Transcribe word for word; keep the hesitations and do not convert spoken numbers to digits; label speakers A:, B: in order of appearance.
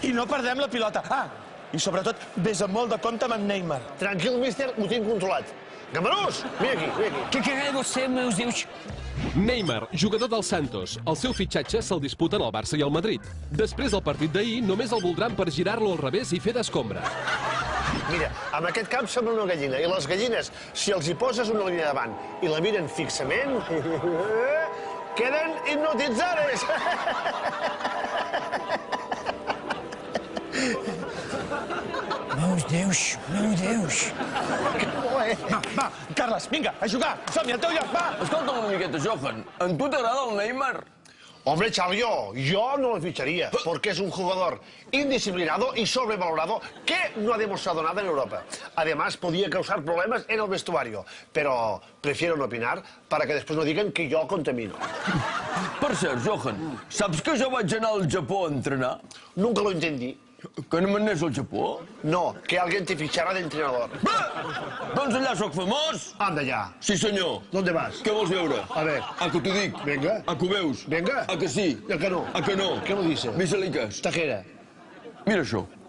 A: I no perdem la pilota. Ah, i sobretot, vés amb molt de compte amb en Neymar.
B: Tranquil, míster, ho tinc controlat. Gamarús, vine aquí, vine aquí.
C: Què què você, meus Deus?
D: Neymar, jugador del Santos. El seu fitxatge se'l disputen el Barça i el Madrid. Després del partit d'ahir, només el voldran per girar-lo al revés i fer d'escombra.
B: Mira, amb aquest cap sembla una gallina, i les gallines, si els hi poses una línia davant i la miren fixament, queden hipnotitzades.
C: Meus Deus, meus Deus.
A: Va, va, Carles, vinga, a jugar. Som-hi, al teu lloc, va.
E: Escolta'm una miqueta, Johan. A tu t'agrada el Neymar?
B: Hombre, Xavió, yo no lo ficharía, porque es un jugador indisciplinado y sobrevalorado que no ha demostrado nada en Europa. Además, podía causar problemas en el vestuario, pero prefiero no opinar para que después no digan que yo contamino.
E: Per cert, Johan, saps que jo vaig anar al Japó a entrenar?
B: Nunca lo entendí.
E: Que no m'anés al Japó?
B: No, que alguien te fichara de entrenador.
E: Doncs allà sóc famós.
B: Anda ya.
E: Sí, senyor.
B: ¿Dónde vas?
E: Què vols veure?
B: A ver.
E: A que t'ho dic.
B: Venga.
E: A que ho veus?
B: Venga.
E: A que sí?
B: ¿A que no?
E: A que no?
B: ¿Qué lo dice?
E: Visaliques.
B: Tajera.
E: Mira això.